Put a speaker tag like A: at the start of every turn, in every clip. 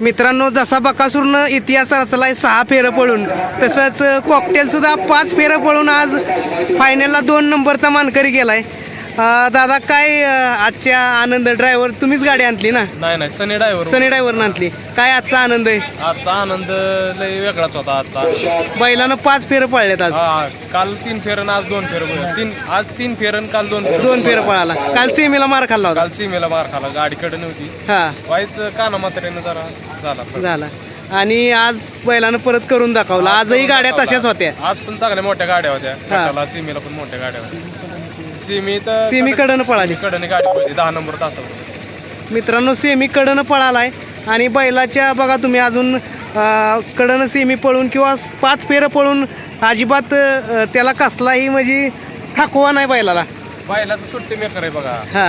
A: मित्रांनो, जसा बकासूरनं इतिहास रचलाय 6 फेरं पळून, तसंच कॉकटेल सुद्धा 5 फेरं पळून आज फायनलला 2 नंबरचा मानकरी गेलाय. दादा, काय आजच्या आनंद? ड्रायव्हर तुम्हीच गाडी आणली ना?
B: नाही सनी
A: ड्रायव्हरनं आणली. काय आजचा आनंद आहे?
B: आजचा आनंद लय वेगळाच होता. आजचा
A: बैलानं 5 फेरं पळलेत आज.
B: काल 3 फेरन आज 2 फेरं. आज 3 फेरन काल
A: 2 फेरं पळाला. काल सीमेला मार खाल्ला होता.
B: काल सीमेला मार खाला, गाडीकडे नव्हती. वाईच काना मात्रेनं जरा झाला.
A: आणि आज बैलानं परत करून दाखवलं. आजही गाड्या तशाच होत्या.
B: आज पण चांगल्या मोठ्या गाड्या होत्या. सीमेला पण मोठ्या गाड्या होत्या.
A: सेमी कडनं पळाली.
B: कडनं गाडी पळली 10 नंबर तासावर.
A: मित्रांनो, सेमी कडनं पळालाय आणि बैलाच्या बघा तुम्ही अजून कडनं सेमी पळून किंवा 5 फेरं पळून अजिबात त्याला कसलाही म्हणजे थकवा नाही बैलाला.
B: बैलाचं सुट्टी मेकर आहे बघा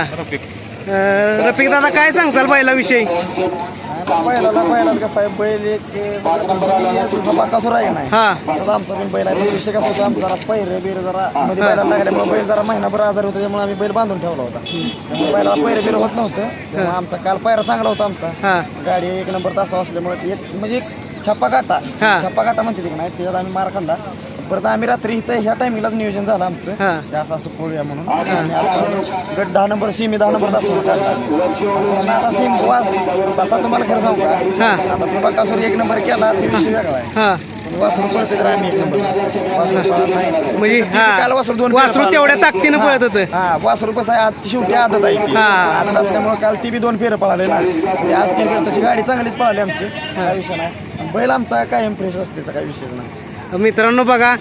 A: रफिक दादा, काय सांगताल बैलाविषयी?
C: बैलाच कसं आहे, बैल एक बकासूर आहे नाही. असं आमचा पण बैल आहे. विषय कसा होता, आमचा जरा पैरे बिर जरा मध्ये बैला लागल्यामुळे बैल जरा महिनाभर आजार होता. त्यामुळे आम्ही बैल बांधून ठेवला होता. त्यामुळे बैलाला पैरे बिर होत नव्हतं. त्यामुळे आमचा काल पायरा चांगला होता. आमचा गाडी 1 नंबर तासा असल्यामुळे म्हणजे छप्पा काटा म्हणते की नाही, त्याच्यात आम्ही मार खाल्ला. परत आम्ही रात्री इथं ह्या टायमिंगलाच नियोजन झालं आमचं, असं पळूया म्हणून. आणि आज गट 10 नंबर सीमी 10 नंबर तास काढला. आता सीम तसा तुम्हाला खरं सांगू का, आता तुम्ही बकासूर 1 नंबर केला ते विषय वेगळा आहे. वासरू पळते तर आम्ही 1 नंबर
A: म्हणजे
C: काल वासरू 2
A: वासरू तेवढ्या ताकदीनं पळत होतं.
C: वासरू कसं आहे, आज शेवटी आदत आहे ती. आदत असल्यामुळे काल ती बी 2 फेरं पळाले ना. आज 3 फेरं तशी गाडी चांगलीच पळाली आमची, काय विषय नाही. बैल आमचा कायम फ्रेश असते, त्याचा काही विषय नाही.
A: मित्रांनो बघा,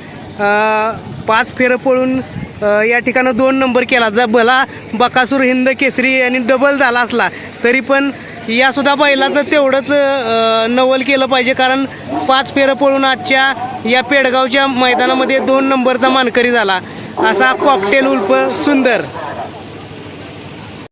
A: 5 फेरं पळून या ठिकाणं 2 नंबर केला. जर भला बकासूर हिंद केसरी आणि डबल झाला असला तरी पण या सुद्धा बैलाचं तेवढंच नवल केलं पाहिजे, कारण 5 फेरं पळून आजच्या या पेडगावच्या मैदानामध्ये 2 नंबरचा मानकरी झाला. असा कॉकटेल उर्फ सुंदर.